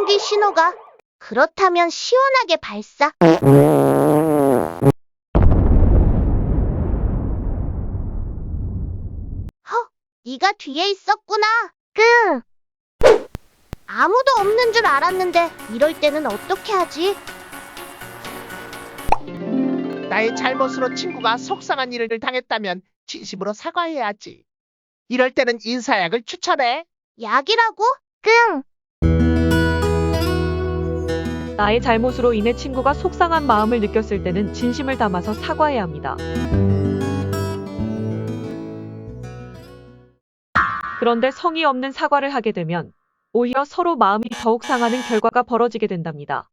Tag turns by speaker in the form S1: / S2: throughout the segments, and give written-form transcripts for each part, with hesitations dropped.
S1: 발전기 신호가. 그렇다면 시원하게 발사. 허, 네가 뒤에 있었구나. 끙. 아무도 없는 줄 알았는데 이럴 때는 어떻게 하지?
S2: 나의 잘못으로 친구가 속상한 일을 당했다면 진심으로 사과해야지. 이럴 때는 인사약을 추천해.
S1: 약이라고? 끙.
S3: 나의 잘못으로 인해 친구가 속상한 마음을 느꼈을 때는 진심을 담아서 사과해야 합니다. 그런데 성의 없는 사과를 하게 되면 오히려 서로 마음이 더욱 상하는 결과가 벌어지게 된답니다.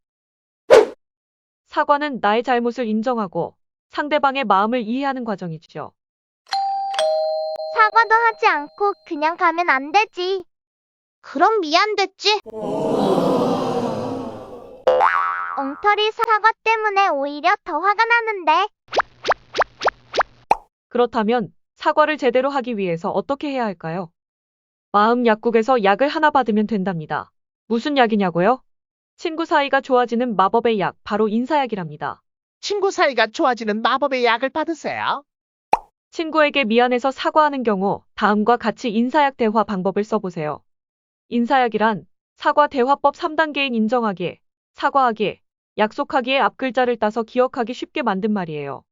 S3: 사과는 나의 잘못을 인정하고 상대방의 마음을 이해하는 과정이죠.
S1: 사과도 하지 않고 그냥 가면 안 되지. 그럼 미안됐지? 엉터리 사과 때문에 오히려 더 화가 나는데.
S3: 그렇다면 사과를 제대로 하기 위해서 어떻게 해야 할까요? 마음 약국에서 약을 하나 받으면 된답니다. 무슨 약이냐고요? 친구 사이가 좋아지는 마법의 약, 바로 인사약이랍니다.
S2: 친구 사이가 좋아지는 마법의 약을 받으세요.
S3: 친구에게 미안해서 사과하는 경우 다음과 같이 인사약 대화 방법을 써보세요. 인사약이란 사과 대화법 3단계인 인정하기, 사과하기, 약속하기의 앞글자를 따서 기억하기 쉽게 만든 말이에요.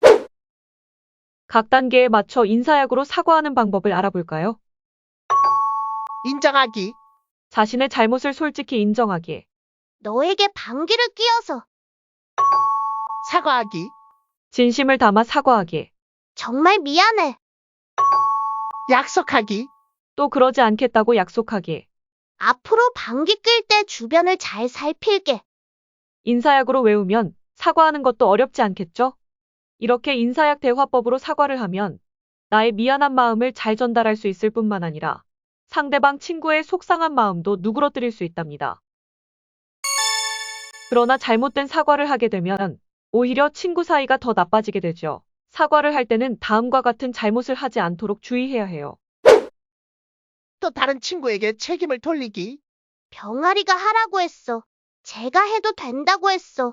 S3: 각 단계에 맞춰 인사약으로 사과하는 방법을 알아볼까요?
S2: 인정하기,
S3: 자신의 잘못을 솔직히 인정하기,
S1: 너에게 방귀를 뀌어서.
S2: 사과하기,
S3: 진심을 담아 사과하기,
S1: 정말 미안해.
S2: 약속하기,
S3: 또 그러지 않겠다고 약속하기.
S1: 앞으로 방귀 낄 때 주변을 잘 살필게.
S3: 인사약으로 외우면 사과하는 것도 어렵지 않겠죠? 이렇게 인사약 대화법으로 사과를 하면 나의 미안한 마음을 잘 전달할 수 있을 뿐만 아니라 상대방 친구의 속상한 마음도 누그러뜨릴 수 있답니다. 그러나 잘못된 사과를 하게 되면 오히려 친구 사이가 더 나빠지게 되죠. 사과를 할 때는 다음과 같은 잘못을 하지 않도록 주의해야 해요.
S2: 또 다른 친구에게 책임을 돌리기,
S1: 병아리가 하라고 했어. 제가 해도 된다고 했어.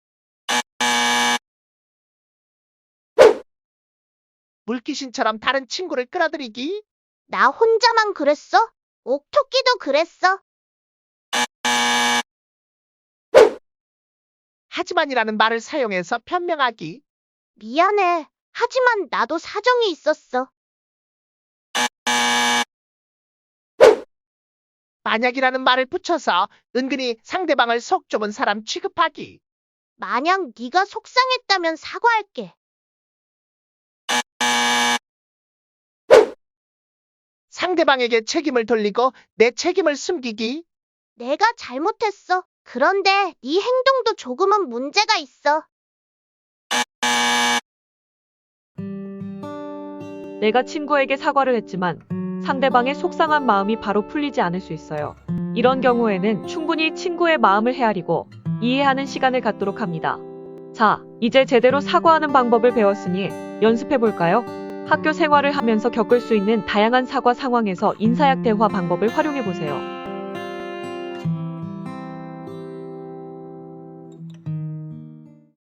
S2: 물귀신처럼 다른 친구를 끌어들이기,
S1: 나 혼자만 그랬어? 옥토끼도 그랬어.
S2: 하지만이라는 말을 사용해서 변명하기,
S1: 미안해. 하지만 나도 사정이 있었어.
S2: 만약이라는 말을 붙여서 은근히 상대방을 속 좁은 사람 취급하기,
S1: 만약 네가 속상했다면 사과할게.
S2: 상대방에게 책임을 돌리고 내 책임을 숨기기,
S1: 내가 잘못했어. 그런데 네 행동도 조금은 문제가 있어.
S3: 내가 친구에게 사과를 했지만 상대방의 속상한 마음이 바로 풀리지 않을 수 있어요. 이런 경우에는 충분히 친구의 마음을 헤아리고 이해하는 시간을 갖도록 합니다. 자, 이제 제대로 사과하는 방법을 배웠으니 연습해볼까요? 학교 생활을 하면서 겪을 수 있는 다양한 사과 상황에서 인사약 대화 방법을 활용해보세요.